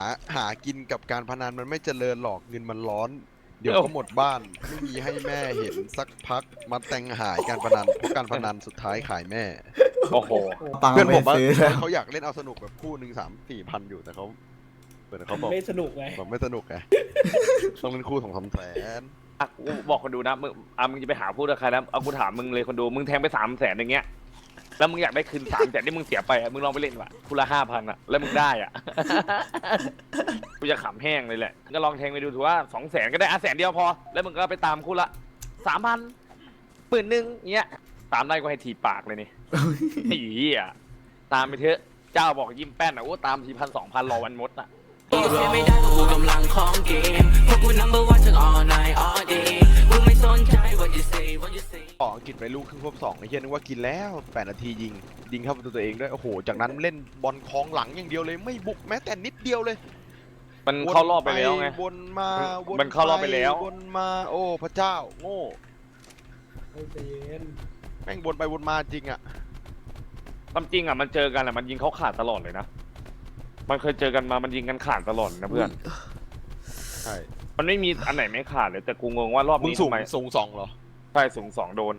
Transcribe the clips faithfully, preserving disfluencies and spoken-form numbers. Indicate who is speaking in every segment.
Speaker 1: หาหากินกับการพนันมันไม่เจริญหรอกเงินมันร้อนเดี๋ยวก็หมดบ้านไม่มีให้แม่เห็นสักพักมาแต่งหายการพนันเพราะการพนันสุดท้ายขายแม่
Speaker 2: โอ้โห
Speaker 3: ตังค์
Speaker 1: เพื่อน
Speaker 3: ไป
Speaker 1: ผมว่า
Speaker 3: ซื้อแล้ว
Speaker 1: เขาอยากเล่นเอาสนุกแบบคู่หนึ่งสามสี่พันอยู่แต่เขาเหมือนเขาบอก
Speaker 4: ไม่สนุกไง
Speaker 1: บอกไม่สนุกไงต้องเล่นคู่สองสามแสน
Speaker 2: อ่ะกูบอกคนดูนะมึงอ่ะมึงจะไปหาพูดกับใครนะเอากูถามมึงเลยคนดูมึงแทงไปสามแสนอย่างเงี้ยแล้วมึงอยากได้คืนสามแสนที่มึงเสียไปอ่ะมึงลองไปเล่นว่ะคู่ละห้าพันอ่ะแล้วมึงได้อ่ะ กูจะขำแห้งเลยแหละก็ลองแทงไปดูถือว่าสองแสนก็ได้อ่ะแสนเดียวพอแล้วมึงก็ไปตามคู่ละสามพันปืนหนึ่งเงี้ยตามได้ก็ให้ทีปากเลยนี่ ไอ้เหี้ยตามไปเถอะเจ้าบอกยิ้มแป้นอ่ะโอ้ตามทีพันสองพันรอวันมดอ่ะ
Speaker 5: เสียไม่ได้เพราะกูกำลังของเกมเพราะกู number one ทั้ง all night all day มึงไม่สนใจ what you say what you say
Speaker 1: ต่ออังกฤษไปลูกครึ่งควบสองไอ้เหี้ยนึกว่ากินแล้วแปดนาทียิงยิงเข้าประตูตัวเองด้วยโอ้โหจากนั้นเล่นบอลคลองหลังอย่างเดียวเลยไม่บุกแม้แต่นิดเดียวเลย
Speaker 2: มันเข้ารอบไปแล้วไง
Speaker 1: วนมาวน
Speaker 2: มันเข้ารอบไปแล้ว
Speaker 1: วนมาโอ้พระเจ้าโง่
Speaker 4: ไม่ใจเย็น
Speaker 1: แม่งวนไปวนมาจริงอ่ะ
Speaker 2: ความจริงอ่ะมันเจอกันอ่ะมันยิงเขาขาดตลอดเลยนะมันเคยเจอกันมามันยิงกันขาดตลอดนะเพื่อน
Speaker 1: ใช่
Speaker 2: มันไม่มีอันไหนไม่ขาดเลยแต่กูงงว่ารอบ
Speaker 1: มึง
Speaker 2: นี้
Speaker 1: สูง
Speaker 2: ทำไม
Speaker 1: สูงสองเหรอ
Speaker 2: ใช่สูงสองโดน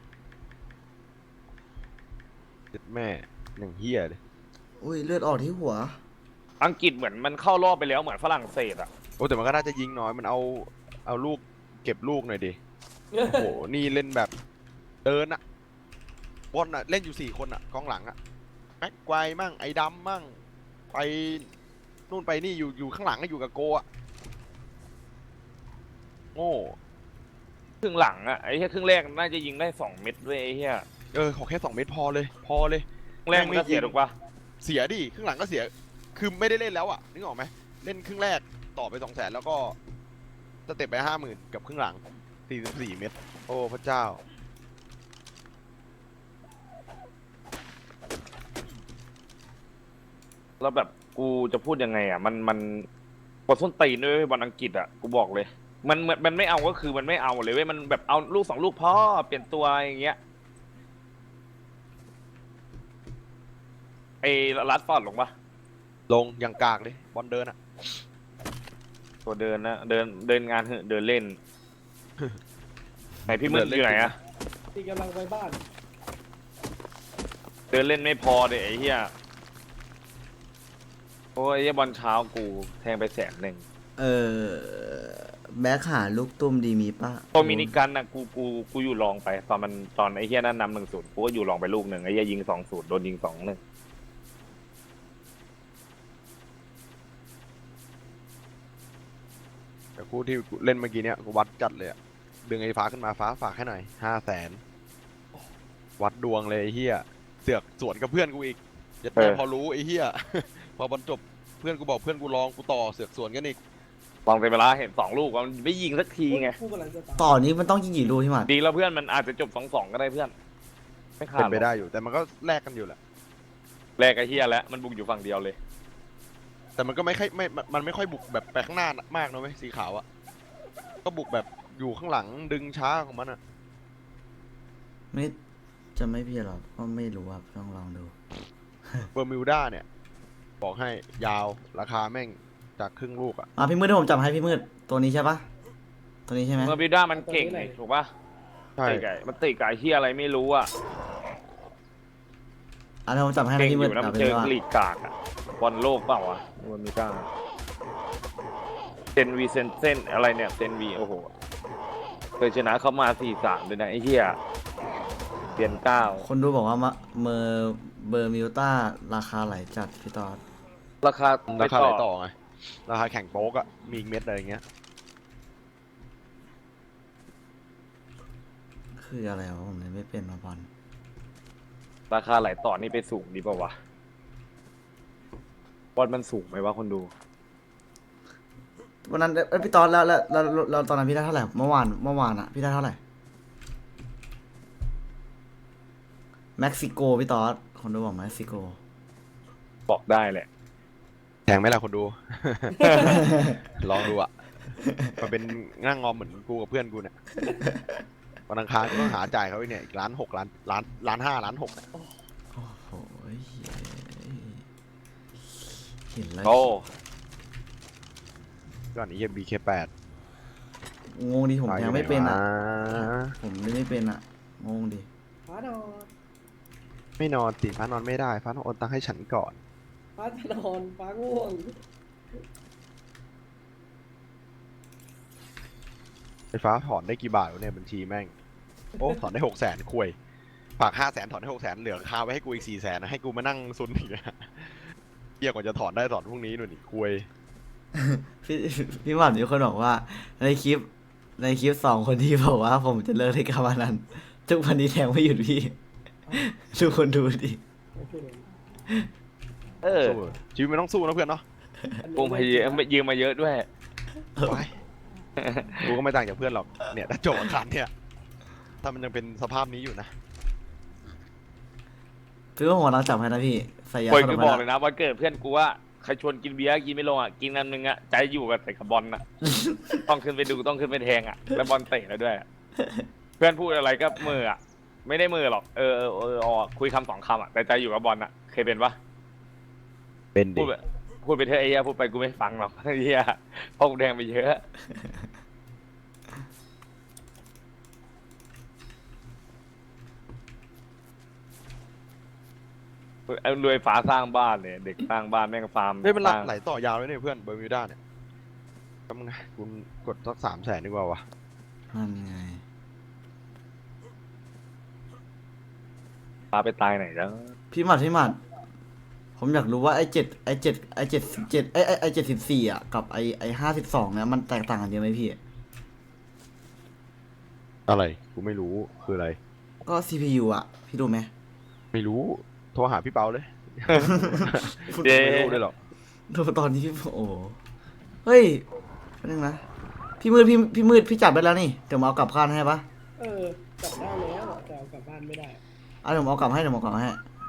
Speaker 1: เจ็ดแม่หนึ่งเฮียเลย
Speaker 3: อุ้ยเลือดออกที่หัว
Speaker 2: อังกฤษเหมือนมันเข้ารอบไปแล้วเหมือนฝรั่งเศสอ่ะ
Speaker 1: โอ้แต่มันก็น่าจะยิงน้อยมันเอาเอาลูกเก็บลูกหน่อยดิโอ้โหนี่เล่นแบบเดินอะบอลอะเล่นอยู่สี่คนอะกองหลังอะแม็กไกวมั่งไอ้ดำมั่งไปนู่นไปนี่อยู่อยู่ข้างหลังก็อยู่กับโกอะโง่
Speaker 2: ครึ่งหลังอ่ะไอ้เหี้ยครึ่งแรกน่าจะยิงได้สองเม็ดด้วยไอ้เหี้ย
Speaker 1: เออขอแค่สองเมตรพอเลยพอเลย
Speaker 2: ครึ่งแรกมันก็เสียถูกปะ
Speaker 1: เสียดิครึ่งหลังก็เสียคือไม่ได้เล่นแล้วอะนึกออกไหมเล่นครึ่งแรกต่อไปสองแสนแล้วก็สเต็ปไปห้าหมื่นกับครึ่งหลังสี่สิบสี่เมตรโอ้พระเจ้า
Speaker 2: แล้วแบบกูจะพูดยังไงอ่ะมันมันปวดส้นตีนด้วยบอลอังกฤษอ่ะกูบอกเลย มันมันมันไม่เอาก็คือมันไม่เอาเลยเว้ยมันแบบเอาลูกสองลูกพ่อเปลี่ยนตัวอย่างเงี้ยไอ้รัดฟอร์ดลงปะ
Speaker 1: ลงอย่างกากเลยบอลเดินอะ
Speaker 2: ตัวเดินนะเดินเดินงานเหอะเดินเล่น ไหนพี่มืดอยู่ไหนอะ
Speaker 4: ที่กำลังไปบ้าน
Speaker 2: เดินเล่นไม่พอเลยไอ้เหี้ยโอ้ยไอ้เหี้ยบอลเช้ากูแทงไปแสนหนึ่ง
Speaker 3: เออแบ็คหาลูกตุ้มดีมีป่ะ
Speaker 2: โดมินิกันนะกูกูกูอยู่รองไปตอนมันตอนไอ้เหี้ยนั่นนำหนึ่งศูนย์กูก็อยู่รองไปลูกหนึ่งไอ้เหี้ยยิงสองศูนย์โดนยิงสองหนึ่ง
Speaker 1: แต่คู่ที่เล่นเมื่อกี้เนี้ยกูวัดจัดเลยอะดึงไอ้ฟ้าขึ้นมาฟ้าฝากให้หน่อยห้าแสนวัดดวงเลยไอ้เฮียเสือกสวนกับเพื่อนกูอีกยัดแต่พอรู้ไอ้เฮีย พอบอลจบเพื่อนกูบอกเพื่อนกูลองกูต่อเสือกสวนกันอีก
Speaker 2: ลองเต็มเวลาเห็นสองลูกมันไม่ยิงสักทีไง
Speaker 4: คู่กำลังจะตาย
Speaker 3: ต่อนี้มันต้องยิงกี่ลูกที่หมัด
Speaker 2: ดีแล้วเพื่อนมันอาจจะจบสองสองก็ได้เพื่อนไม่ขา
Speaker 1: เป็
Speaker 2: ด
Speaker 1: นไปได้อยู่แต่มันก็แลกกันอยู่แหละ
Speaker 2: แรกไอ้เหี้ยแล้วมันบุกอยู่ฝั่งเดียวเลย
Speaker 1: แต่มันก็ไม่ค่อยไม่มันไม่ค่อยบุกแบบไปข้างหน้ามากนะเว้ยสีขาวอะก็บุกแบบอยู่ข้างหลังดึงช้าของมันอะ
Speaker 3: ไม่จะไม่เพี้ยนหรอกก็ไม่รู้ครับต้องลองดู
Speaker 1: เบอร์มิวด้าเนี่ยบอกให้ยาวราคาแม่งจากครึ่งลูกอะ
Speaker 3: มาพี่มืดที่ผมจับให้พี่มืดตัวนี้ใช่ปะตัวนี้ใช่ไหม
Speaker 2: เมอร์บิวด้ามันเก่งเลยถูกปะ
Speaker 1: ใช่
Speaker 2: ติไก่มันติไก่เหี้ยอะไรไม่รู้อ่ะ
Speaker 3: อ่ะเดี๋ยวผมจับให้
Speaker 2: เก่ง
Speaker 3: พี่
Speaker 2: อ
Speaker 3: มืด
Speaker 2: ยู่นะ
Speaker 3: จั
Speaker 2: มั
Speaker 3: บ
Speaker 2: น
Speaker 3: ไป
Speaker 2: เจ
Speaker 3: เล
Speaker 2: อย
Speaker 3: ว่า
Speaker 2: ลีกกากอ่ะบอลโลกเปล่าวะเมอร์บิวด้าเซนวีเซนเซนอะไรเนี่ยเซนวีโอ้โหเคยชนะเขามาสี่สามเลยนะไอ้เหี้ยเปลี่ยนเก้า
Speaker 3: คนดูบอกว่ามาเมอร์เบอร์มิวต้าราคาไหลจัดพี่ตอด
Speaker 2: ราคา
Speaker 1: ราคาไหนต่อไงราคาแข่งโป๊กอะมีอีกเม็ดอะไรอย่างเงี้ย
Speaker 3: คืออะไรวะผมเลยไม่เป็นมาบอล
Speaker 2: ราคาไหลต่อนี่ไปสูงดีป่าวะบอลมันสูงไหมวะคนดู
Speaker 3: วันนั้นเอ้ยพี่ตอดแล้วแล้วแล้วแล้วแล้วตอนนั้นพี่ได้เท่าไหร่เมื่อวานเมื่อวานอะพี่ได้เท่าไหร่เม็กซิโกพี่ตอดคนดูบอกเม็กซิโก
Speaker 2: บอกได้แหละ
Speaker 1: แทงไหมล่ะคนดู ลองดูอะมันเป็นนั่งงอมเหมือนกูกับเพื่อนกูเนี่ยวันอังคารก็ต้องหาจ่ายเขาอีกเนี่ยอีกล้านหกล้านล้านล้านห้าล้านหกเนี่ย
Speaker 3: โอ้โหเห็นแล้ว
Speaker 2: โอ้
Speaker 1: ก่อนไอ้เหี้ย บี เค แปด
Speaker 3: งงดิผมแทงไม่เป็นอ่ะ
Speaker 1: อ่ะ
Speaker 3: ผมเล่นไม่เป็นอ่ะงงดิ
Speaker 4: ฟ้านอน
Speaker 1: ไม่นอนติฟ้านอนไม่ได้ฟ้าต้องโอนตังค์ให้ฉันก่อน
Speaker 4: ฟ้าจะนอนฟ้าง่วง
Speaker 1: ไฟฟ้าถอนได้กี่บาทวะเนี่ยบัญชีแม่ง โอ้ถอนได้หกแสนคุยฝากห้าแสนถอนได้หกแสนเหลือคาไว้ให้กูอีกสี่แสนนะให้กูมานั่งซุนอีกอะเหี้ยกว่าจะถอนได้ถอนพรุ่งนี้หน่อยนี่คุย
Speaker 3: พี่พี่หมันมีคนบอกว่า ในคลิปในคลิปสองคนที่บอกว่าผมจะเลิกในกามานันทุกวันนี้แทงไม่หยุดพี่ ทุกคนดูดิ
Speaker 2: เออ
Speaker 1: สู้ชีวิตมันต้องสู้นะเพื่อนเนาะ
Speaker 2: กูพยายามยืมมาเยอะด้วย
Speaker 1: ไปกูก็ไม่ต่างจากเพื่อนหรอกเนี่ยถ้าโจกอาคารเนี่ยถ้ามันยังเป็นสภาพนี้อยู่นะ
Speaker 3: คือว่าผมกำลังจับให้นะพี่ใส่ยา
Speaker 2: ควย
Speaker 3: สล
Speaker 2: คื
Speaker 3: บ
Speaker 2: อ
Speaker 3: ไป
Speaker 2: บอก
Speaker 3: แล้ว
Speaker 2: เลยนะวันเกิดเพื่อนกูว่าใครชวนกินเบียร์กินไม่ลงอ่ะกินอันนึงอ่ะใจอยู่กับใส่กับบอลอ่ะ ต้องขึ้นไปดูต้องขึ้นไปแทงอ่ะแล้วบอลเตะแล้วด้วยอะเพื่อนพูดอะไรก็มืออ่ะไม่ได้มือหรอกเออเออเออออกคุยคำสองคำอ่ะแต่ใจอยู่กับบอลอ่ะเคยเป็นปะ
Speaker 1: เป็น
Speaker 2: พู
Speaker 1: ดิ
Speaker 2: ดไปพูดไปเถอะไอ้เหี้ยพูดไปกูไม่ฟังหรอกไอ้เหี้ยเพราะกูแทงไปเยอะเอารวยฟ้าสร้างบ้านเลยเด็กสร้างบ้านแม่งฟาร์ม
Speaker 1: เฮ้ยมัน
Speaker 2: สร้าง
Speaker 1: ไหลต่อยาวเลยเนี่ยเพื่อนเบอร์มิวด้าเนี่ยทำไงคุณกดสักสามแสนดีกว่าวะ
Speaker 3: นั่นไง
Speaker 2: ฟ้าไปตายไหนแล้ว
Speaker 3: พี่หมัดพี่หมัดผมอยากรู้ว่าไอ้เจ็ดไอ้เจ็ดไอ้เจ็ดสิบเจ็ดไอ้ไอ้ไอ้เจ็ดสิบสี่อ่ะกับไอ้ไอ้ห้าสิบสองเนี่ยมันแตกต่างกันเยอะไหมพี่
Speaker 1: อะไรกูไม่รู้คืออะไร
Speaker 3: ก็ ซี พี ยู อ่ะ พี่ดูไหม
Speaker 1: ไม่รู้โทรหาพี่เปาเลย
Speaker 2: เย้
Speaker 1: ไม่รู้เลยหรอก
Speaker 3: ดูตอนนี้พี่โอ้โหเฮ้ยแป๊บนึงนะพี่มืดพี่พี่มืดพี่จับได้แล้วนี่เดี๋ยวมาเอากลับบ้านให้ปะ
Speaker 4: เออจับได้แล้วแต่เอากลับบ้านไม่ได้
Speaker 3: เอาเดี๋ยวผมเอากลับให้เดี๋ยวผมเอากลับให้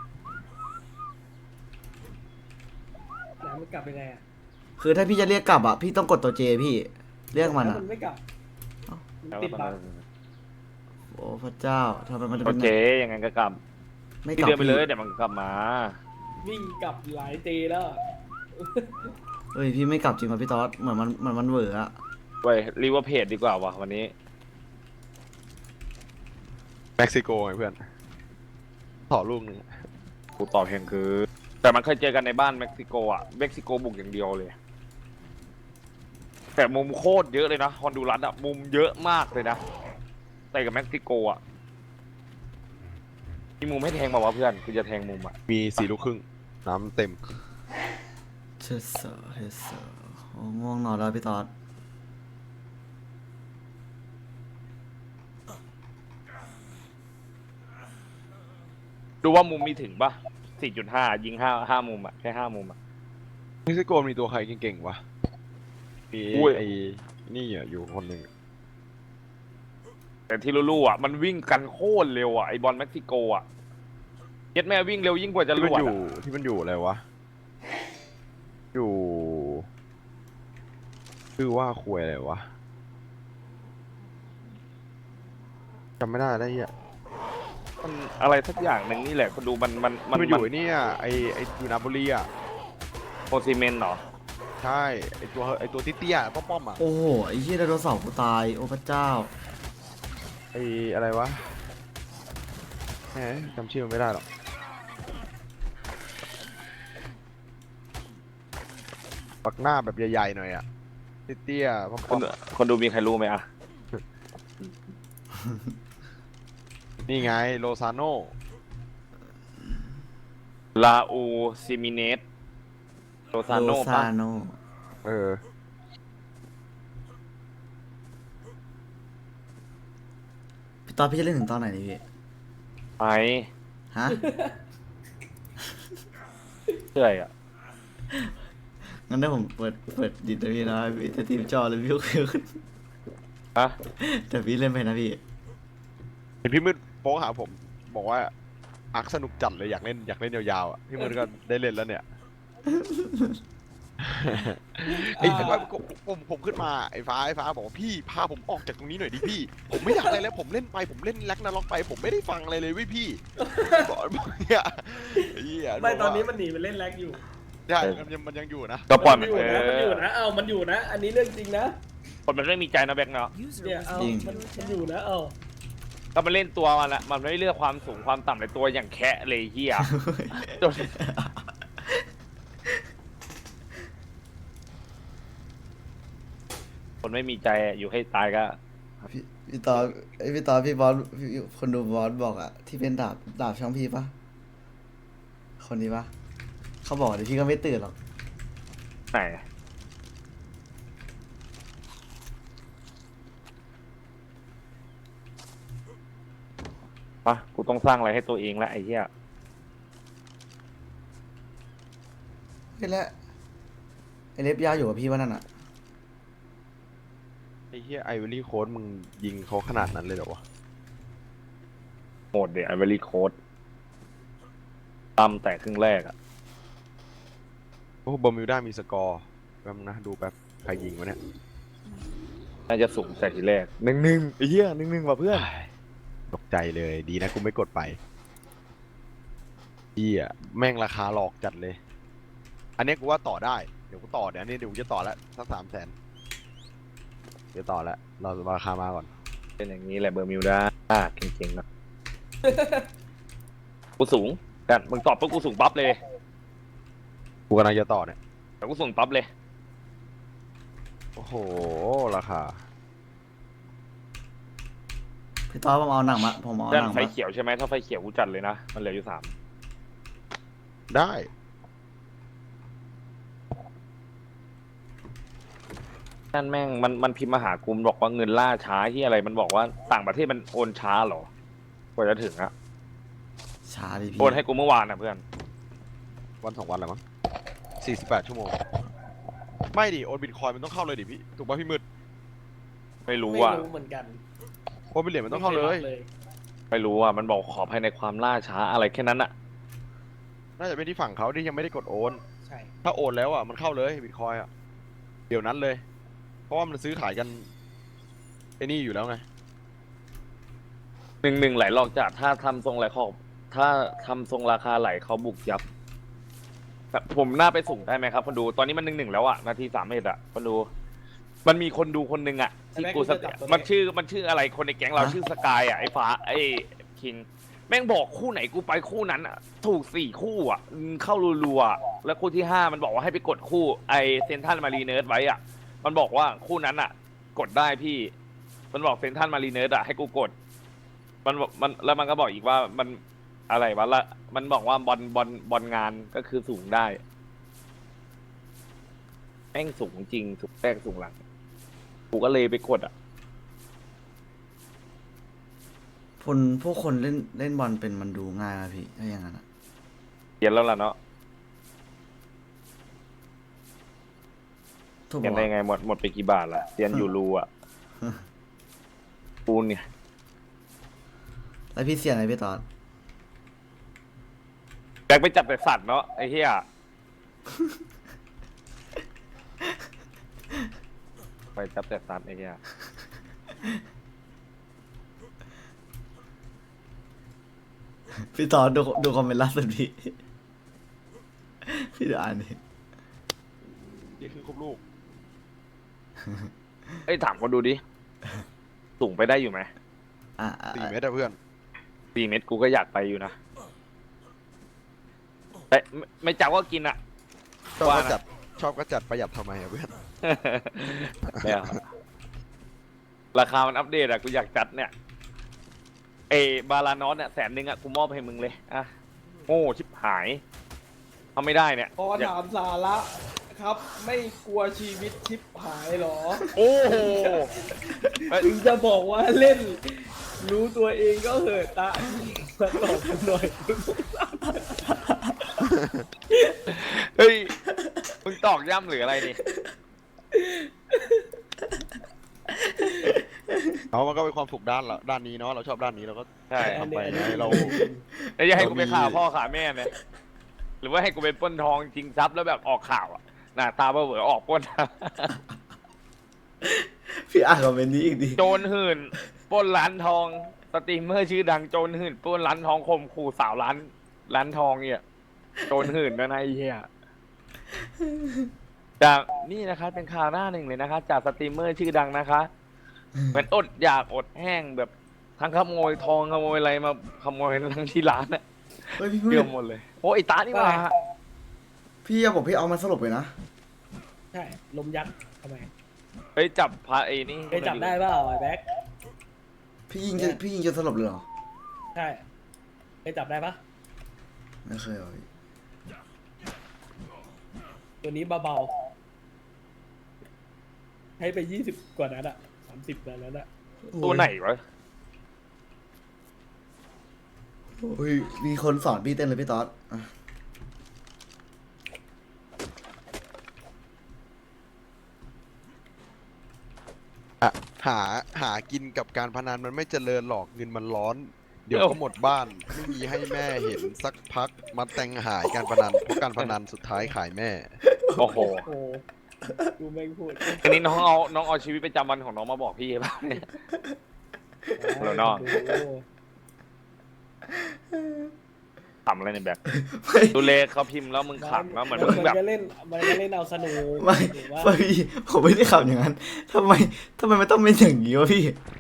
Speaker 4: ไหนมันกลับไปไงอ่ะ
Speaker 3: คือถ้าพี่จะเรียกกลับอ่ะพี่ต้องกดตัวเจพี่เรียกมัน
Speaker 4: แล้ว
Speaker 3: อ่ะ
Speaker 4: มันไม่กลับ
Speaker 3: เอ้า
Speaker 4: มันติดบั๊ก
Speaker 3: โอ้พระเจ้าทำไมมันจะ
Speaker 2: โอ
Speaker 3: เป็น
Speaker 2: เคอย่างงั้นก็กลับ
Speaker 3: ไม่ก
Speaker 2: ที่
Speaker 3: ลับ
Speaker 2: เดินไป
Speaker 3: พี่
Speaker 2: เลยเดี๋ยวมันก็กลับมา
Speaker 4: วิ่งกลับหลายตีแล้ว
Speaker 3: เฮ้ยพี่ไม่กลับจริงป่ะพี่ต๊อดเหมือนมันเหมือนมันเหวออะ
Speaker 2: เว้ยรีว่าเพจดีกว่าวะวันนี้
Speaker 1: เม็กซิโกไงเพื่อนต่อลูกหนึ่ง
Speaker 2: กูตอบเพียงคือ แต่มันเคยเจอกันในบ้านเม็กซิโกอ่ะเม็กซิโกบุกอย่างเดียวเลย แต่มุมโคตรเยอะเลยนะฮอนดูรัสอ่ะมุมเยอะมากเลยนะแต่กับเม็กซิโกอ่ะมีมุมให้แทงมาวะเพื่อนกูจะแทงมุมอ่ะ
Speaker 1: มีสี่ลูกครึ่งน้ำเต็ม
Speaker 3: เชสเซอร์เฮสเซอร์โอ้ง่วงนอนแล้วพี่ต๊อด
Speaker 2: ดูว่ามุมมีถึงปะสี่จุดห้ายิงห้าห้ามุมอ่ะแค่ห้ามุมอ่ะ
Speaker 1: เม็กซิโกมีตัวใครเก่งๆวะมี
Speaker 2: อุ้ย
Speaker 1: ไอ้นี่อ่ะอยู่คนหนึ่ง
Speaker 2: แต่ที่รู้ๆอ่ะมันวิ่งกันโคตรเร็วอ่ะไอบอลเม็กซิโกอ่ะเย็ดแม่วิ่งเร็วยิ่งกว่าจะ
Speaker 1: ที่
Speaker 2: ร
Speaker 1: มัน
Speaker 2: วด
Speaker 1: อยู่
Speaker 2: อะ
Speaker 1: ที่มันอยู่อะไรวะอยู่ชื่อว่าควยอะไรวะจำไม่ได้แล้วเนี่ย
Speaker 2: มันอะไรสักอย่างหนึ่งนี่แหละคนดูมันมัน
Speaker 1: มันอยู่ไอ้เนี่ยไอ้ไอ้อยู่นาโปลีอ่ะ
Speaker 2: โอซิเมนเหรอ
Speaker 1: ใช่ไอ้ตัวไอ้ตัวเตี้ยๆป้อมๆอ่ะ
Speaker 3: โอ้โหไอ้เหี้ยไดโนเสาร์กูตายโอ้พระเจ้า
Speaker 1: ไอ้อะไรวะแหมจำชื่อมันไม่ได้หรอกปักหน้าแบบใหญ่ๆหน่อยอ่ะเตี้ยๆป้
Speaker 2: ค
Speaker 1: อน ม
Speaker 2: คนดูมีใครรู้ไหมอ่ะ
Speaker 1: ๆนี่ไงโลซาโน
Speaker 2: ลาอูซิมิเนสโรซาโน
Speaker 3: โล
Speaker 2: ปะ
Speaker 3: ซาโน
Speaker 1: เออ
Speaker 3: พี่ต๊อดพี่จะเล่นถึงตอนไหนนี่พี่
Speaker 2: ไป
Speaker 3: ฮะ
Speaker 2: เชื่ออ่ะ
Speaker 3: งั้นถ้าผมเปิดเปิดดิดนะพี่นะพี่จะทีมจอเลยพี่ก็คือ
Speaker 2: ฮะ
Speaker 3: แต่พี่เล่นไปนะพี่
Speaker 1: เห็นพี่มืดโป๊หาผมบอกว่าอักสนุกจัดเลยอยากเล่นอยากเล่นยาวๆอ่ะพี่มืดก็ได้เล่นแล้วเนี่ยไอ้ฟ้าผมผมขึ้นมาไอ้ฟ้าไอ้ฟ้าบอกว่าพี่พาผมออกจากตรงนี้หน่อยดิพี่ ผมไม่อยากอะไรแล้วผมเล่นไปผมเล่นแล็กนาล็อกไป ผมไม่ได้ฟังอะไรเลยเว้ยพี่บอกบอกเนี่ยไอ้เหี้ย
Speaker 4: ไม่ตอนนี้มันหนีไปเล่นแร็กอยู่
Speaker 1: ใช่มันยังมันยังอยู่นะ
Speaker 2: ก็ปล่อย
Speaker 4: มั
Speaker 2: มัน น
Speaker 4: อยู่
Speaker 2: เอ
Speaker 4: นะมันอยู่
Speaker 2: อ
Speaker 4: นะเอ้ามันอยู่นะ อันนี้เรื่องจริงนะ
Speaker 2: คนมันไม่มีใจนะแบ็คเนาะ
Speaker 4: เนี่ยเอ้ามันมันอยู่นะเอ้า
Speaker 2: ก็มันเล่นตัวมันละมันไม่เลือกความสูงความต่ำในตัวอย่างแคะเลยเฮียจนคนไม่มีใจอยู่ให้ตายก็
Speaker 3: พี่พี่ตอนไอยพี่ตอนพี่บอสพี่คนดูบอสบอกอะที่เป็นดาบดาบช่องพี่ปะคนนี้ปะเขาบอกเดี๋ยวพี่ก็ไม่ตื่นหรอก
Speaker 2: ไหนปะกูต้องสร้างอะไรให้ตัวเองละไอ้เหี้ย
Speaker 3: นี่แหละไอเล็บยาวอยู่กับพี่ว่านั่นอะ
Speaker 1: ไอ้เหี้ยไอวอรี่โค้ดมึงยิงเขาขนาดนั้นเลยเหรอวะ
Speaker 2: โหมดเดี๋ยวไอเวอรี่โค้ดตำแต่ครึ่งแรกอะ
Speaker 1: โอ้บอมิวด้ามีสกอร์แป๊บนึงนะดูแป๊บใครยิงวะเนี่ย
Speaker 2: น่าจะสูงแต่ทีแรกหนึ่งหนึ่งไอ้เหี้ยหนึ่งหนึ่งว่ะเพื่อน
Speaker 1: ตกใจเลยดีนะกูไม่กดไปเหี้ยแม่งราคาหลอกจัดเลย อันนี้กูว่าต่อได้เดี๋ยวกูต่อเดี๋ยวอันนี้เดี๋ยวกูจะต่อแล้วสักสามแสนเดี๋ยวต่อแล้วเราราคามาก่อน
Speaker 2: เป็นอย่างนี้แหละเบอร์มิวด้าเก่งๆนะ กูสูงกันมึงตอบปุ๊บกูสูงปั๊บเลย
Speaker 1: กูกำลังจะต่อเนี่ย
Speaker 2: แต่กูสูงปั๊บเลย
Speaker 1: โอ้โหราคา
Speaker 3: พี่ตอนผมเอาหนังมาผมเอา
Speaker 2: ด้าน
Speaker 3: หนัง
Speaker 2: ไฟ
Speaker 3: มา
Speaker 2: เขียวใช่ไหมถ้าไฟเขียวกูจัดเลยนะมันเหลืออยู่สาม
Speaker 1: ได้
Speaker 2: นั่นแม่งมันมันพิมพ์มาหากูมันบอกว่าเงินล่าช้าที่อะไรมันบอกว่าต่างประเทศมันโอนช้าเหรอกว่าจะถึงอะ
Speaker 3: ช้าดิพี่
Speaker 2: โอนให้กูเมื่อวานนะเพื่อน
Speaker 1: วันสองวันแล้วมั้งสี่สิบแปดชั่วโมงไม่ดิโอนบิตคอยมันต้องเข้าเลยดิพี่ถูกป่ะพี่มืด
Speaker 2: ไม่รู้
Speaker 4: ไม่
Speaker 2: ว่า
Speaker 4: รู้เหมือนกัน
Speaker 1: โอนบิตเหรียญมันต้องเข้าเลย
Speaker 4: ไม่คยรับ
Speaker 2: ไม่รู้ว่ามันบอกขอภายในความล่าช้าอะไรแค่นั้นอะ
Speaker 1: น่าจะเป็นที่ฝั่งเขาที่ยังไม่ได้กดโอน
Speaker 4: ใช่
Speaker 1: ถ้าโอนแล้วอ่ะมันเข้าเลยบิตคอยอ่ะเดี๋ยวนั้นเลย เพราะว่ามันซื้อขายกันไอ้นี่อยู่แล้วไง
Speaker 2: หนึ่งหนึ่งไหลหลอกจัดถ้าทำทรงไหลขอบถ้าทำทรงราคาไหลเขาบุกยับแต่ผมน่าไปส่งได้ไหมครับคนดูตอนนี้มันหนึ่งหนึ่งแล้วอะนาทีสามเอ็ดอะคนดู มันมีคนดูคนหนึ่งอะที่กูสกมันชื่อมันชื่ออะไรคนในแก๊งเราชื่อสกายอะไอ้ฟ้าไอ้คิงแม่งบอกคู่ไหนกูไปคู่นั้นอะถูกสี่คู่อะเข้ารัวๆอะแล้วคู่ที่ห้ามันบอกว่าให้ไปกดคู่ไอเซนทันมารีเนิร์ดไว้อะมันบอกว่าคู่นั้นอะกดได้พี่ มันบอกเซนทันมารีเนิร์ดอะให้กูกด มันบอกมันแล้วมันก็บอกอีกว่ามันอะไรวะละมันบอกว่าบอลบอลบอลงานก็คือสูงได้แม่งสูงจริงสูงแรกสูงหลังกูก็เลยไปกดอ่ะ
Speaker 3: คนพวกคนเล่นเล่นบอลเป็นมันดูง่ายนะพี่ถ้าอย่างนั้นอะ
Speaker 2: เขียนแล้วล่ะเนาะ
Speaker 3: ถูก
Speaker 2: เขียน
Speaker 3: ปะ
Speaker 2: ได้
Speaker 3: วะ
Speaker 2: ไงหมดหมดไปกี่บาทละเรียนอยู่รูอ่ะปูนเนี่ย
Speaker 3: แล้วพี่เสียไหนพี่ตอน
Speaker 2: แบกไปจับแต่สัตว์เนาะไอ้เหี้ยไปจับแต่สัตว์ไอ้เหี้ย
Speaker 3: พี่ตอนดูดูคอมเมนต์ล่าสุดพี่ พี่ดูอ่านดิ
Speaker 1: นี่คือครบลูก
Speaker 2: เอ้ยถามคนดูดิสูงไปได้อยู่ไหม
Speaker 3: อ่ะอ่ะ
Speaker 1: สี่เมตรอะเพื่อน
Speaker 2: สี่เม็ดกูก็อยากไปอยู่นะแต่ไม่ไม่จับก็กินอ่ะ
Speaker 1: ชอบ
Speaker 2: ว่า
Speaker 1: ก็
Speaker 2: นะ
Speaker 1: จัดชอบก็จัดประหยัดทำไมอะเพื่อน
Speaker 2: เนี่ยราคามันอัปเดตอะกูอยากจัดเนี่ยเอบาลานอสเนี่ยแสนหนึ่งอะกูมอบให้มึงเลยอะโง่ชิบหายทำไม่ได้เนี่ย
Speaker 4: พอถามสาระครับ ไม่กลัวชีวิตชิปหายเหรอ
Speaker 2: โอ้โหเอ้ย
Speaker 4: ถึงจะบอกว่าเล่น รู้ตัวเองก็เหอะตามาตอบกันหน่อย
Speaker 2: เฮ้ยมึงตอกย่ำหรืออะไรนี่
Speaker 1: เอามันก็เป็นความสุขด้านละด้านนี้เนาะเราชอบด้านนี้เราก็
Speaker 2: ใช่
Speaker 1: ทำไปไงเรา
Speaker 2: แล้วจะให้กูไป
Speaker 1: เรามี
Speaker 2: ข่าวพ่อข่าวแม่เนี่ยหรือว่าให้กูไปปล้นทองจริงทรัพย์แล้วแบบออกข่าวอะหน้าตาเบอเบอออกปล้น
Speaker 3: พี่อ่านคอมเมนต์นี้อีกดิ
Speaker 2: โจรหื่นปล้นร้านทองสตรีมเมอร์ชื่อดังโจรหื่นปล้นร้านทองข่มขู่สาวร้านร้านทองเนี่ยโจรหื่นนะนายเหี้ยจากนี่นะคะเป็นข่าวหน้าหนึ่งเลยนะคะ จากสตรีมเมอร์ชื่อดังนะคะเหมือนอดอยากอดแห้งแบบทั้งขโมยทองขโมยอะไรมาขโมยทั้งที่ร้านอะ
Speaker 3: เฮ้ยพี่มื
Speaker 2: เกื
Speaker 3: ด
Speaker 2: อบหมดเลยโอ้ไอตานี่มา
Speaker 3: พี่อย่าบอกพี่เอามันสลบเลยนะ
Speaker 4: ใช่ลมยักษ์ทำไม
Speaker 2: ไปจับพาไอ้นี่
Speaker 4: เคยจับได้เปล่าไอ้แบ็ค
Speaker 3: พี่ยิงจะพี่ยิงจนสลบเลยเหรอ
Speaker 4: ใช่เคยจับได้ปะ
Speaker 3: ไม่เคยเอาพี่
Speaker 4: ตัวนี้เบาๆให้ไปยี่สิบกว่านั้นอะสามสิบกว่านั้นอะ
Speaker 2: ตัวไหนวะ
Speaker 3: โอ้ยมีคนสอนพี่เต้นเลยพี่ต๊อดอ่ะ
Speaker 1: อะหาหากินกับการพนันมันไม่เจริญหรอกเงินมันร้อน เดี๋ยวก็หมดบ้านไม่มีให้แม่เห็นสักพักมาแต่งหายการพนันเพราะการพนันสุดท้ายขายแม่
Speaker 2: โอ้โห
Speaker 4: โอ้ดูแม่งพูด
Speaker 2: อันนี้น้องเอาน้องเอาชีวิตประจำวันของน้องมาบอกพี่ป่ะเนี่ย เหรอน้อง ขำอะไรในแบบ
Speaker 3: ไม่
Speaker 2: ดูเลเขาพิมพ์แล้วมึงขำแล้วเหมือนมึง
Speaker 4: มัน
Speaker 2: แบบ
Speaker 4: ก็เล่นมันก็เล่นเอาสนุก
Speaker 3: ไม่
Speaker 4: หรือว่า
Speaker 3: ไม่พี่ผมไม่ได้ขับอย่างนั้นทำไมทำไมมันต้องเป็นอย่างนี้วะพี่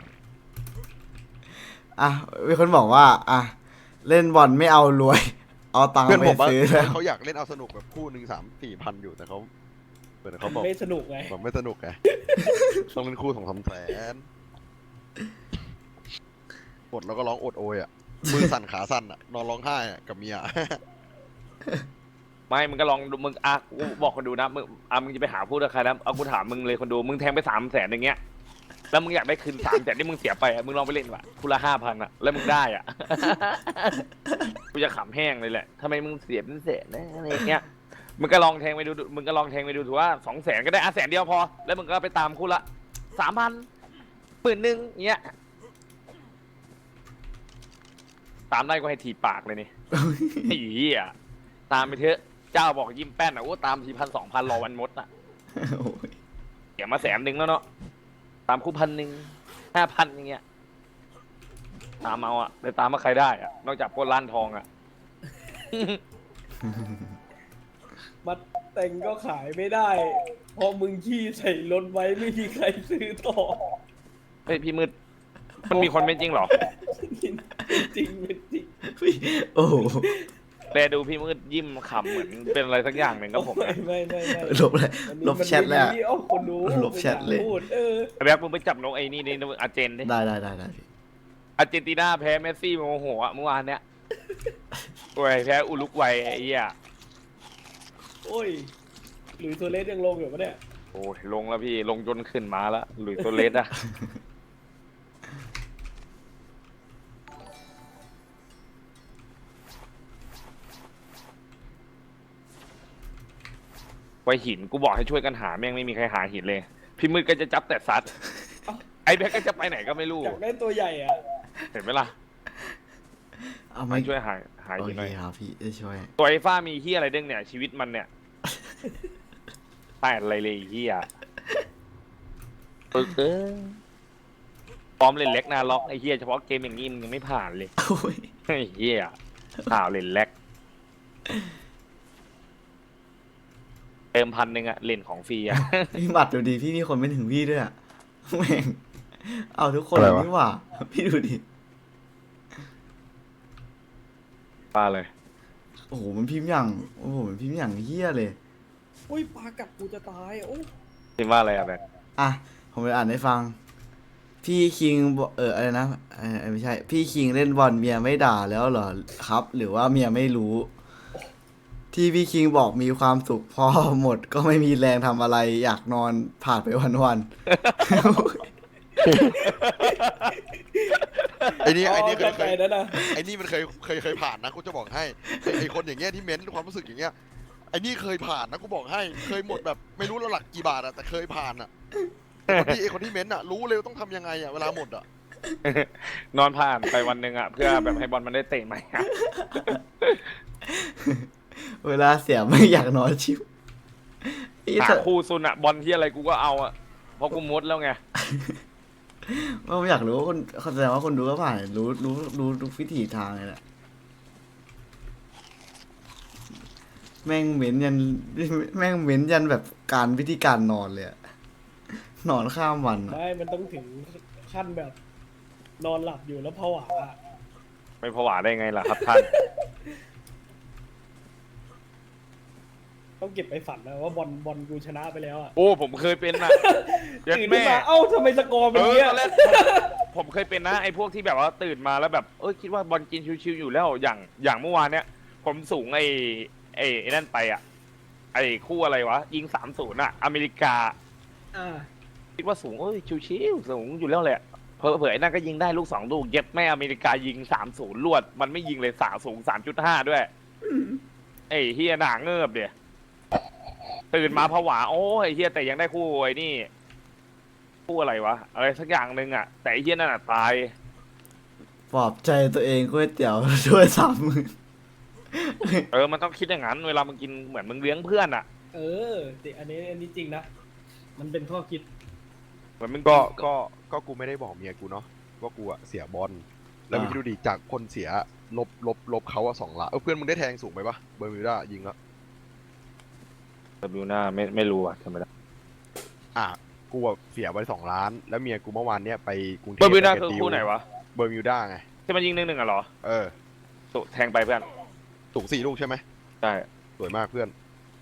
Speaker 3: อ่ะมีคนบอกว่า อ่ะเล่นบอลไม่เอารวย เอาตังค์
Speaker 1: เพื่อน
Speaker 3: ไป
Speaker 1: ผมว่า
Speaker 3: ซื้อแล้ว
Speaker 1: เขาอยากเล่นเอาสนุกแบบคู่หนึ่งสามสี่พันอยู่แต่เขาเหมือนเขาบอก
Speaker 4: ไม่สนุกไง
Speaker 1: แบบไม่สนุกไงต้องเล่นคู่สองสามแสนอดแล้วก็ร้องอดโอยอ่ะมือสั่นขาสั่นอ่ะนอนร้องไห้อ่ะกับเมีย
Speaker 2: ไม่มึงก็ลองดูมึงอ่ะกูบอกคนดูนะมึงอ่ะมึงจะไปหาพูดกับใครนะเอากูถามมึงเลยคนดูมึงแทงไปสามแสนอย่างเงี้ยแล้วมึงอยากได้คืนสามแสนที่มึงเสียไปอ่ะมึงลองไปเล่นว่ะคูละห้าพันอ่ะแล้วมึงได้อ่ะ กูจะขำแห้งเลยแหละทำไมมึงเสียเป็นแสนนะอะไรอย่างเงี้ยมึงก็ลองแทงไปดูมึงก็ลองแทงไปดูถือว่าสองแสนก็ได้อ่ะแสนเดียวพอ แล้วมึงก็ไปตามคู่ละสามพันหมื่นหนึ่งเงี้ยตามได้ก็ให้ถีบปากเลยนี่ ไอ้เหี้ยตามไปเถอะเจ้าบอกยิ้มแป้นอ่ะโอ้ตามทีพันสองพันรอวันมดอ่ะ
Speaker 3: โอ้ย
Speaker 2: เสียมาแสนหนึ่งแล้วเนาะตามคู่พันหนึ่งห้าพันอย่างเงี้ยตามเอาอ่ะแต่ตามมาใครได้อ่ะนอกจากพวกร้านทองอ่ะ
Speaker 4: มัดแต่งก็ขายไม่ได้เพอมึงขี้ใส่รถไว้ไม่มีใครซื้อต่อ
Speaker 2: เฮ้ยพี่มืดมันมีคนเป็นจริงเหรอ
Speaker 4: เป็นจริงเป็นจริง
Speaker 3: พี่โอ้โห
Speaker 2: แต่ดูพี่มืดยิ้มขำเหมือนเป็นอะไรสักอย่างหนึ่งกับผม
Speaker 4: ไม่
Speaker 2: นะ
Speaker 4: ไม่ไม่ไม่
Speaker 3: ลบเลยลบแชทเลยอะ
Speaker 4: มันมีอ้อคนรู้
Speaker 3: ลบแชทเลย
Speaker 4: พูดเออ
Speaker 2: แบ็คมึงไปจับนกไอ้นี่นี่อาร์เจนดิ
Speaker 3: ได้ได้ได้ได้พี่
Speaker 2: อาร์เจนตินาแพ้เมสซี่โมโหอ่ะเมื่อวานเนี้ยโอ้ยแพ้อุลุกวัยไอ้เหี้ย
Speaker 4: โอ้ยหลุยส์โซเลสยังลงอยู่ปะเนี่ย
Speaker 2: โอ้ยลงแล้วพี่ลงจนขึ้นมาแล้วหลุยส์โซเลสอะ ไวหินกูบอกให้ช่วยกันหาแม่งไม่มีใครหาหินเลย พี่มืดก็จะจับแต่ซัดไอ้แบ็คก็จะไปไหนก็ไม่รู้
Speaker 4: อยากได้ตัวใหญ่อ่ะ
Speaker 2: เห็นไหมล่ะ
Speaker 3: เอาไห
Speaker 2: มา
Speaker 3: ม่
Speaker 2: ช่วยหาหา
Speaker 3: โอ
Speaker 2: หินห
Speaker 3: เค
Speaker 2: น่อย
Speaker 3: ครับพี่จะช่วย
Speaker 2: ตัวไอ้ฟ้ามีเฮียอะไรเด้งเนี่ย ชีวิตมันเนี่ยแต่อะไรเลยไอ้เฮียปึกเออพร้อมเล่นเล็กนาล็อกไอ้เฮียเฉพาะเกมอย่างนี้มึงยังไม่ผ่านเลย
Speaker 3: โอ้ย
Speaker 2: ไอ้เฮียข่าวเล่นเล็กเติมพันหนึ่งอะเล่นของฟรีอะ
Speaker 3: พี่หมัดดูดิพี่มีคนไม่ถึงพี่ด้วยอะแม่งเอาทุกคน
Speaker 1: อะไร
Speaker 3: เลย
Speaker 1: วะ
Speaker 3: นี่หว่า พี่ดูดิ
Speaker 2: ป้าเลย
Speaker 3: โอ้โหมันพิมพ์อย่างโอ้โหมันพิมพ์อย่างเฮี้ยเลย
Speaker 4: อุ้ยปลากัดกูจะตายโอ้
Speaker 2: คิดว่าอะไรอะแบบ
Speaker 3: อ่ะผมไปอ่านให้ฟัง พี่คิงบอกเอออะไรนะเออไม่ใช่ พี่คิงเล่นบอลเมียไม่ด่าแล้วเหรอครับ หรือว่าเมียไม่รู้ ที่พี่คิงบอกมีความสุขพอหมด ก็ไม่มีแรงทำอะไร อยากนอนผ่านไปวันๆ
Speaker 1: ไอ้นี่ไอ้นี่เคย
Speaker 4: เข้า
Speaker 1: เค
Speaker 4: ใจ
Speaker 1: ย
Speaker 4: แล้วนะ
Speaker 1: ไอ้นี่มันเคยเคยเคยผ่านนะกูจะบอกให้ไอ้ไอ้คนอย่างเงี้ยที่เม้นความรู้สึกอย่างเงี้ยไอ้นี่เคยผ่านนะกูบอกให้เคยหมดแบบไม่รู้แล้วหลักกี่บาทอะแต่เคยผ่านอะคนที่ไอ้คนที่เม้นอะรู้เลยว่าต้องทำยังไงอะเวลาหมดอะ
Speaker 2: นอนผ่านไปวันหนึ่งอะเพื่อแบบให้บอลมันได้เตะใหม่อะ
Speaker 3: เวลาเสียไม่อยากนอนชิวพี่
Speaker 2: หา
Speaker 3: จะ
Speaker 2: คู่ซุนอะบอลที่อะไรกูก็เอาอะเพราะกูมดแล้วไง
Speaker 3: ผมอยากรู้ว่าคนเขาแสดงว่าคนดูก็ผ่านรู้รู้รู้ทุกวิถีทางเลยแหละแม่งเหม็นยันแม่งเหม็นยันแบบการวิธีการนอนเลยอะนอนข้ามวันอะ
Speaker 4: ไม่มันต้องถึงขั้นแบบ นอนหลับอยู่แล้วผวาอะ
Speaker 2: ไม่ผวาได้ไงล่ะครับท่าน
Speaker 4: ต้องเก็บไปฝันนะว่าบอลบอลกูชนะไปแล้วอะ
Speaker 2: โอ้ผมเคยเป็นนะยัด
Speaker 4: ตื่นขึ้น
Speaker 2: แม่
Speaker 4: มาเอ้าทำไมสกอร์เป็
Speaker 2: เอน อ
Speaker 4: เงี้ย
Speaker 2: ตอนแรกผมเคยเป็นนะไอ้พวกที่แบบว่าตื่นมาแล้วแบบเอ้ยคิดว่าบอลกินชิวๆอยู่แล้วอย่างอย่างเมื่อวานเนี้ยผมสูงไอ้ไอ้ไอ้นั่นไปอ่ะไอ้คู่อะไรวะยิงสามศูนย์อ่ะอเมริกา
Speaker 4: อ่า
Speaker 2: คิดว่าสูงเอ้ยชิวๆสูงอยู่แล้วแหละเผลอๆไอ้นั่นก็ยิงได้ลูกสองลูกเย็บแม่อเมริกายิงสามศูนย์ลวดมันไม่ยิงเลยสาสูงสามจุดห้าด้วยไอ้เฮียหนาเงิบเดียตื่นมาผวาโอ้ยไอ้เฮียแต่ยังได้คู่ไอ้นี่คู่อะไรวะอะไรสักอย่างหนึ่งอ่ะแต่ไอ้เฮียนั่นอ่ะตาย
Speaker 3: ปลอบใจตัวเองก๋วยเตี๋ยวช่วยสามมือ
Speaker 2: เออมันต้องคิดอย่างนั้นเวลามึงกินเหมือนมึงเลี้ยงเพื่อนอ่ะ
Speaker 4: เออแต่อันนี้อันนี้จริงนะ มันเป็นข้อคิด
Speaker 2: เหมือนมึง
Speaker 1: ก็
Speaker 2: กิน
Speaker 1: ก็ก็กูไม่ได้บอกเมียกูเนาะว่ากูอะเสียบอลแล้วมึง
Speaker 3: อ่า
Speaker 1: คิดดูดิจากคนเสียลบลบลบเขาอะสองล้านเออเพื่อนมึงได้แทงสูงไปปะเบอร์มิวด้ายิงแล้ว
Speaker 2: แต่บิวหน้าไม่ไม่รู้อ่ะทำไมได้
Speaker 1: อ่ะกูอะเสียไปสองล้าน แล้วเมียกูเมื่อวานเนี้ยไปกรุงเทพ
Speaker 2: เบอร์บิวหน้า
Speaker 1: ป
Speaker 2: คือ
Speaker 1: ดิ
Speaker 2: คู่ไหนวะ
Speaker 1: เบอร์มิวด้าไง
Speaker 2: ที่มันยิงหนึ่งหนึ่งอ่ะเหรอ
Speaker 1: เออ
Speaker 2: ตุแทงไปเพื่อน
Speaker 1: สูงสี่ลูกใช่ไหม
Speaker 2: ใช่
Speaker 1: สวยมากเพื่อน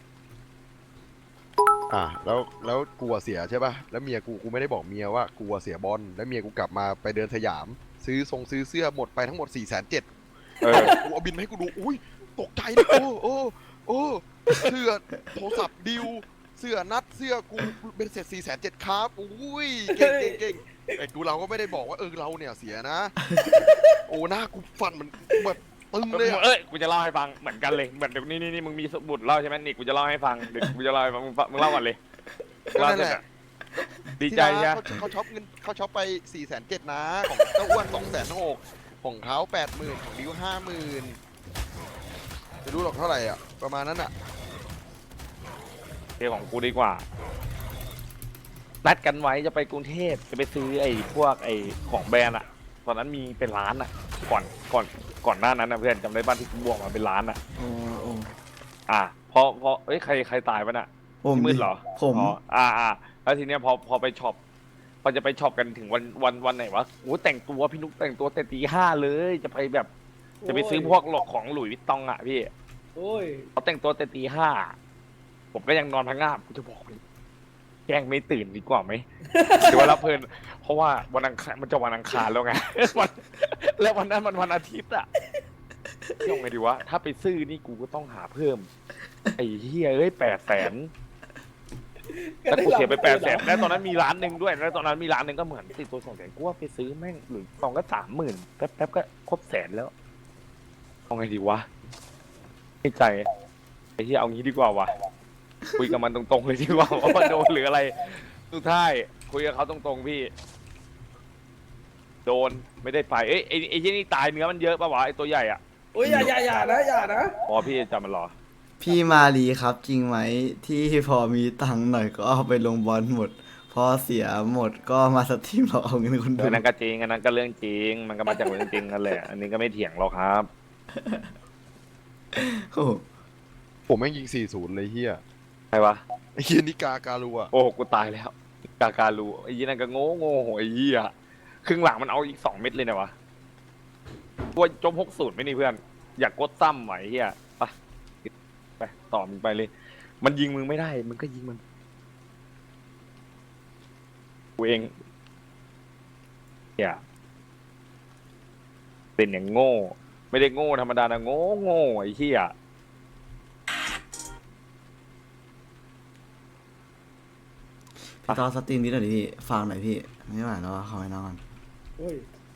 Speaker 1: อ่ะแล้วแล้วกูอะเสียใช่ป่ะแล้วเมียกูกูไม่ได้บอกเมียว่ากูอะเสียบอลแล้วเมียกูกลับมาไปเดินสยาม ซื้อทรงซื้อเสื้อหมดไปทั้งหมดสี่แสนเจ็ด
Speaker 2: เออ
Speaker 1: กูเอาบินมาให้กูดู อุ้ย ตกใจนะโอ้โอ้โอ้เสื้อโทรศัพท์ดิว เสื้อนัด เสื้อกูเป็นเสร็จสี่แสนเจ็ดครับ อุ้ย เก่งเก่งเก่งไอ้กูเราก็ไม่ได้บอกว่าเออเราเนี่ยเสียนะ โอ้หน้ากูฟันเหมือนแบบตึงเลยอะ
Speaker 2: เอ้ยกูจะเล่าให้ฟังเหมือนกันเลยเหมือนเดี๋ยวนี้นี่นี่มึงมีสมุดเล่าใช่ไหมนี่กูจะเล่าให้ฟังเดี๋ยวกูจะเล่าให้ฟังมึงฟังมึงเล่าก่อนเลยเล่า
Speaker 1: นั่น
Speaker 2: เสร็จ
Speaker 1: แห
Speaker 2: อะ
Speaker 1: ละ
Speaker 2: ดีใจ
Speaker 1: ที่
Speaker 2: ใช่
Speaker 1: ร้าน
Speaker 2: ไหม
Speaker 1: เขาเขาช็อปเงินเขาช็อปไปสี่แสนเจ็ดนะ ของเจ้าอ้วนสองแสนหกของเขาแปดหมื่นของดิวห้าหมื่นจะรู้หรอกเท่าไหร่อ่ะ ประมาณนั้นอ่ะ
Speaker 2: เทของกูดีกว่านัดกันไว้จะไปกรุงเทพจะไปซื้อไอ้พวกไอ้ของแบรนด์อะตอนนั้นมีเป็นร้านอะก่อนก่อนก่อนหน้านั้นนะเพื่อนจำได้บ้านที่กูบวกมาเป็นร้านอะ
Speaker 3: โอ้โอ้
Speaker 2: อ่ะพอพอเอ้ยใครใครตายปะน่ะ
Speaker 3: ผม
Speaker 2: พี่มื
Speaker 3: ดิ
Speaker 2: ดเหรอ
Speaker 3: ผม
Speaker 2: อ๋ออ่าอ่าแล้วทีเนี้ยพอพอไปช็อปพอจะไปช็อปกันถึงวันวันวันไหนวะโอ้แต่งตัวพี่นุ๊กแต่งตัวแต่ตีห้าเลยจะไปแบบจะไปซื้อพวกหลอกของหลุยส์วิตตองอ่ะพี่
Speaker 4: โอ้ย
Speaker 2: เขาแต่งตัวแต่ตีห้าผมก็ยังนอนพังงาบกูจะบอกเลยแกล้งไม่ตื่นดีกว่าไหม หรือว่ารับเพลินเพราะว่าวันอังคารมันจะวันอังคารแล้วไง วันแล้ววันนั้นมันวันอาทิตย์อ่ะยังไงดีวะถ้าไปซื้อนี่กูก็ต้องหาเพิ่มไอ้เฮียเอ้ยแปดแสน แล้วกูเสียไปแปดแสนแล้วตอนนั้นมีร้านหนึ่งด้วยแล้วตอนนั้นมีร้านหนึ่งก็เหมือนติดตัวสองแสนกูว่าไปซื้อแม่งหรือสองก็สามหมื่นแป๊บแป๊บก็ครบแสนแล้วเอาไงดีวะไม่ใจไอ้ที่เอางี้ดีกว่าวะคุยกับมันตรงๆเลยดีกว่าว่ามันโดนหรืออะไรสุดท้ายคุยกับเขาตรงๆพี่ โดนไม่ได้ไปเอ้ยไอ้ไอ้ที่นี่ตายเนื้อมันเยอะปะวะไอ้ตัวใหญ่อ่ะ
Speaker 4: โอ้ยอย่าอย่าอย่านะอย่านะ
Speaker 2: อ๋อพี่จำมันเหรอ
Speaker 3: พี่มาลีครับจริงไหมที่พอมีตังค์หน่อยก็เอาไปลงบอลหมด พอเสียหมดก็มาสตรีมเราเอาเงินคนดู
Speaker 2: อันนั้นก็จริงอันนั้นก็เรื่องจริง มันก็มาจากเรื่องจริงนั่นแหละ อันนี้ก็ไม่เถียงหรอกครับ
Speaker 3: โอ้โห
Speaker 1: ผมแม่งยิงสี่ศูนย์เลยเฮีย
Speaker 2: ใครวะ
Speaker 1: ไอ้เฮียนิกาการัว
Speaker 2: โอ้โหกูตายแล้ว กาการูไอ้ยี่นั่นก็โง่โง่โหไอ้ยี่อะครึ่งหลังมันเอาอีกสองเม็ดเลยนะวะตัวจมหกสูตรไม่นี่เพื่อน อยากกดซ้ำไหวเฮียไปไปต่อมึงไปเลย มันยิงมึงไม่ได้ มึงก็ยิงมันกูเองเฮียเป็นอย่างโง่ ไม่ได้โง่ธรรมดานะโง่โง่ไอ้เฮีย
Speaker 3: พี่ตอนสตรีมนี้หน่อยดิพี่ฟังหน่อยพี่ไม่ไหวแล้วอะขอให้นอน
Speaker 4: โอ้ย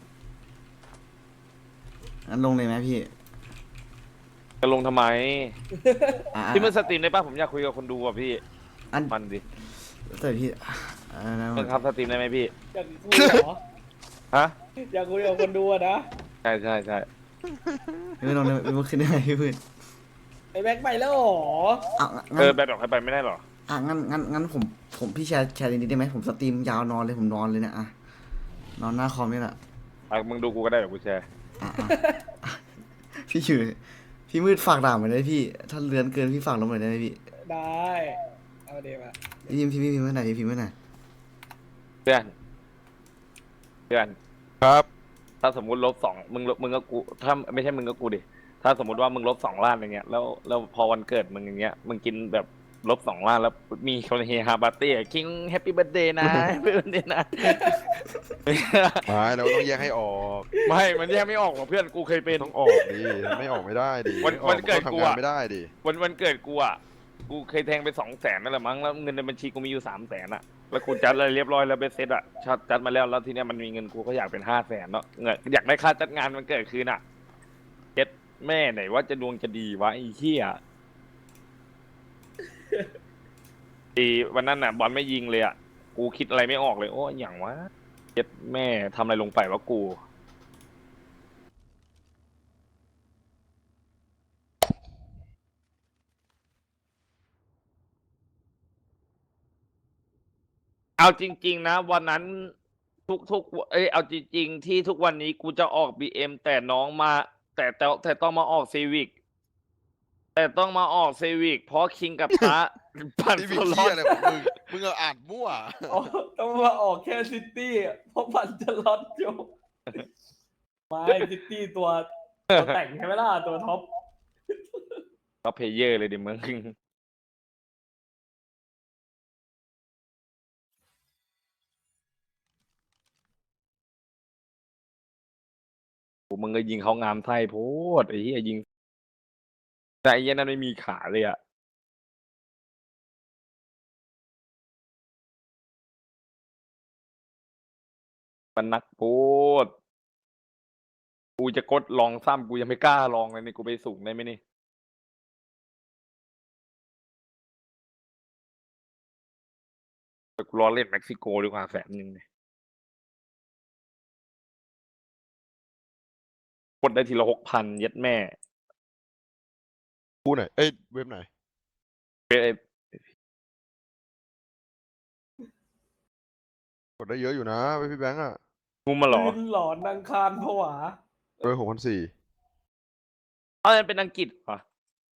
Speaker 3: งั้นลงเลยไหมพี่
Speaker 2: จะลงทำไม
Speaker 3: อ่ะ
Speaker 2: ที่มันสตรีมได้ป่ะผมอยากคุยกับคนดูอ่ะพี่
Speaker 3: อัน
Speaker 2: มันดิ
Speaker 3: แต่พี่อ่ะนะ
Speaker 2: เพิ่งครับสตรีมได้ไหมพี่
Speaker 4: อยากคุยเหรอ
Speaker 2: ฮะ
Speaker 4: อยากคุยกับคนดูอะนะ
Speaker 2: ใช่ใช่ใช่
Speaker 3: พี่ลงเลยมันขึ้นได้ไงพี่พื้น
Speaker 4: ไอ้แม็กไปแล้วเหรอ
Speaker 3: อ่ะ
Speaker 2: เอ
Speaker 3: งั้
Speaker 2: อน แบบดอกใครไปไม่ได้หรอ
Speaker 3: อ่ะงั้นงั้นงั้นผมผมพี่แชร์แชร์นิดได้ไหมผมสตรีมยาวนอนเลยผมนอนเลยเนะอ่ะนอนหน้าคอมนี่แหละ
Speaker 2: อ่ะมึงดูกูก็ได้เดี๋ยวกูแชร์
Speaker 3: อ่ะอ่ะอ่ะพี่อยู่พี่มืดฝากด่ามาได้พี่ ถ้าเลือนเกินพี่ฝากลงมาได้ไหมพี่
Speaker 4: ได้เอาเดี๋ยวมา
Speaker 3: พี่พิมพ์พี่พิมพ์ไว้ไหนพี่พิมพ์ไว้ไหน
Speaker 2: เพื่อนเพื่อน
Speaker 1: ครับ
Speaker 2: ถ้าสมมุติลบสองมึงลบมึงก็กูถ้าไม่ใช่มึงก็กูดิถ้าสมมุติว่ามึงลบสองล้านอย่างเงี้ยแล้วแล้วพอวันเกิดมึงอย่างเงี้ยมึงกินแบบลบสองล้านแล้วมีคนเฮฮาปาร์ตี้คิงแฮปปี้เบิร์ดเดย์นะแฮปปี้เบิร์ดเดย์นะ
Speaker 1: ไม่เราต้องแยกให้ออก
Speaker 2: ไม่มันแยกไม่ออกหรอกเพื่อนกูเคยเป็น
Speaker 1: ต้องออกดิไม่ออกไม่ได้ดิ
Speaker 2: วัน
Speaker 1: ไม่ออ
Speaker 2: วันเกิด
Speaker 1: ต้อง
Speaker 2: กู
Speaker 1: ทำงาน
Speaker 2: อะ
Speaker 1: ไม่ได้ดิ
Speaker 2: วันวันเกิดกูอ่ะกูเคยแทงไปสองแสนนั่นแหละมั้งแล้วเงินในบัญชีกูมีอยู่สามแสนอ่ะแล้วกูจัดอะไรเรียบร้อยแล้วเบสเซ็ตอ่ะชัดจัดมาแล้วแล้วทีเนี้ยมันมีเงินกูก็อยากเป็นห้าแสนเนาะเงินอยากได้ค่าจัดงานมันเกิดคืนอ่ะเจ็ดแม่ไหนว่าจะดวงจะดีวะไอ้เหี้ย อีวันนั้นน่ะบอลไม่ยิงเลยอ่ะกูคิดอะไรไม่ออกเลยโอ้ยอย่างวะเจ็ดแม่ทำอะไรลงไปวะกูเอาจริง ๆ นะวันนั้นทุกทุกเอ้ยเอาจริง ๆ ที่ทุกวันนี้กูจะออก บี เอ็ม แต่น้องมา แต่แต่แต่ต้องมาออกซีวิกแต่ต้องมาออกซีวิกเพราะคิงกับพระ ปั่น
Speaker 1: นี่
Speaker 2: โซ
Speaker 1: วิ
Speaker 2: ล
Speaker 1: เคี
Speaker 2: อย น
Speaker 1: อะไรของมึงมึงเอาอ่านมั่ว
Speaker 4: อ๋อต้องมาออกแค่ซิตี้อะเพราะพันจะล็อตอยู่ไม่ซิตี้ตัวตัวแต่งใช่ไหมล่ะตัวท็อป
Speaker 2: ก็เพลเยอร์เลยดิมึงโอ้มึงก็ยิงเขางามไส้โพดไอ้เหี้ยยิงแต่ไอ้เหี้ยนั้นไม่มีขาเลยอ่ะมันนักโพดกูจะกดลองซ้ำกูยังไม่กล้าลองเลยนี่กูไปสูงได้ไหมนี่แต่กูรอเล่นเม็กซิโกดีกว่าแสนหนึ่งเนี่ยกดได้ทีละหกพันเย็ดแม่
Speaker 1: กูไหนเอ้ยเว็บไหน
Speaker 2: เอ้ย
Speaker 1: กดได้เยอะอยู่นะเว็บพี่แบงค์อะ
Speaker 2: งูมาเหรอ
Speaker 4: ยืนหลอนนางคารผวา
Speaker 1: เออหกพันสี่
Speaker 2: เอามันเป็นอังกฤษเหรอ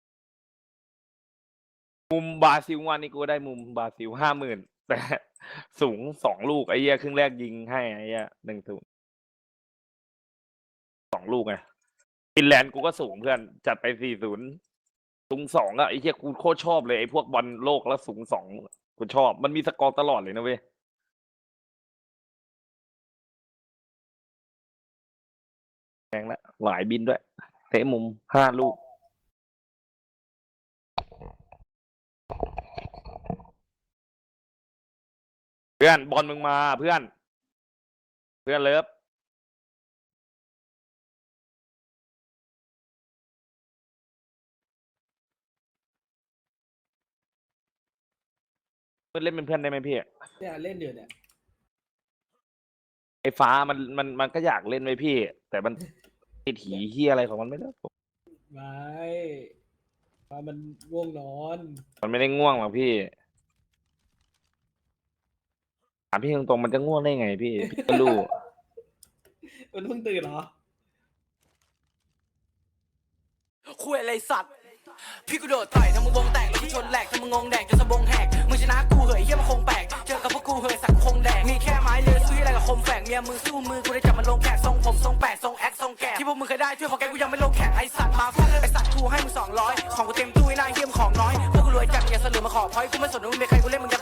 Speaker 2: มุมบราซิลวันนี้กูได้มุมบราซิลห้าหมื่นแต่สูงสองลูกไอ้เหี้ยครึ่งแรกยิงให้ไอ้เหี้ยหนึ่งศูนย์สองลูกไงฟินแลนด์กูก็สูงเพื่อนจัดไปสี่ศูนย์สูงสองอะไอ้เหี้ยกูโคตรชอบเลยไอ้พวกบอลโลกแล้วสูงสองกูชอบมันมีสกอร์ตลอดเลยนะเว้ยแพงละหลายบินด้วยเตะมุมห้าลูกเพื่อนบอลมึงมาเพื่อน เพื่อนเลิฟเพื่อนเล่นเป็นเพื่อนได้ไหมพี่
Speaker 4: เนี่ยเล่นเดือดเนี่ย
Speaker 2: ไอ้ฟ้ามันมันมันก็อยากเล่นไว้พี่ แต่มันติดหีเฮียอะไรของมันไม่รู้
Speaker 4: ไม่ว่ามันง่วงนอน
Speaker 2: มันไม่ได้ง่วงหรอกพี่ถามพี่ตรงๆมันจะง่วงได้ไงพี่พี่ก็รู้
Speaker 4: มันเพิ่งตื่นเหรอ
Speaker 5: คุยอะไรสัตว์พี่กูโดดต่อยทำมึงวงแตกแล้วกูชนแหลกทำมึงงงแดกจนสะบงแหกมึงชนะกูเหยเฮียมันคงแปลกเจอกับพวกกูเหยสักคงแดกมีแค่ไม้เลือซื้ออะไรกับคมแฝกเมียมึงสู้มือกูได้จับมันลงแขกทรงผมทรงแปดทรงแอคทรงแกะที่พวกมึงเคยได้ช่วยพอแกกูยังไม่ลงแขกไอสัตว์มาฟังไอสัตว์กูให้มึงสองร้อยของกูเต็มตู้ไอ้นายเฮียมของน้อยพวกกูรวยจัดอย่าสลือมาขอพอยกูไม่สนว่ามึงเป็นใครกูเล่นมึงจะ